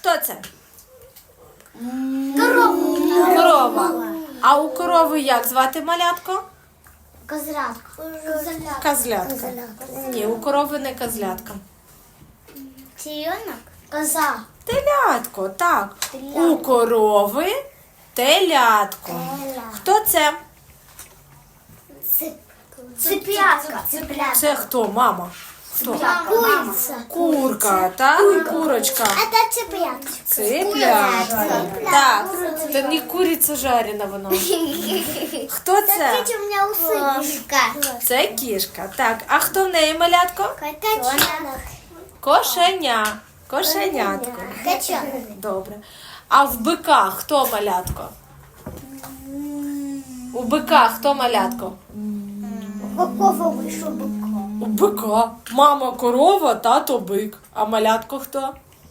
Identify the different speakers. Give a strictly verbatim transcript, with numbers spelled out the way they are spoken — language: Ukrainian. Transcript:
Speaker 1: Хто це?
Speaker 2: Корова.
Speaker 1: Корова. А у корови як звати малятко?
Speaker 2: Козлятка.
Speaker 1: Козлятка. Ні, у корови не козлятка.
Speaker 2: Теленок. Коза.
Speaker 1: Телятко, так. У корови телятко. Хто це?
Speaker 2: Цыплятка. Цыплятка.
Speaker 1: Це хто, мама? Хто?
Speaker 2: Курица.
Speaker 1: Курка, так? Курочка.
Speaker 2: Это цыплятка.
Speaker 1: Цыплятка. Так, це не куриця жарена воно. Хто це?
Speaker 2: Смотрите, у меня усы. Кошка.
Speaker 1: Це кішка. Так, а хто в неї малятко?
Speaker 2: Котенок.
Speaker 1: Кошеня. Кошенятко.
Speaker 2: Котенок.
Speaker 1: Добре. А в бика хто малятко? У бика хто малятко?
Speaker 2: Какого вышел быка?
Speaker 1: У бика. Мама корова, тато бик. А малятко хто?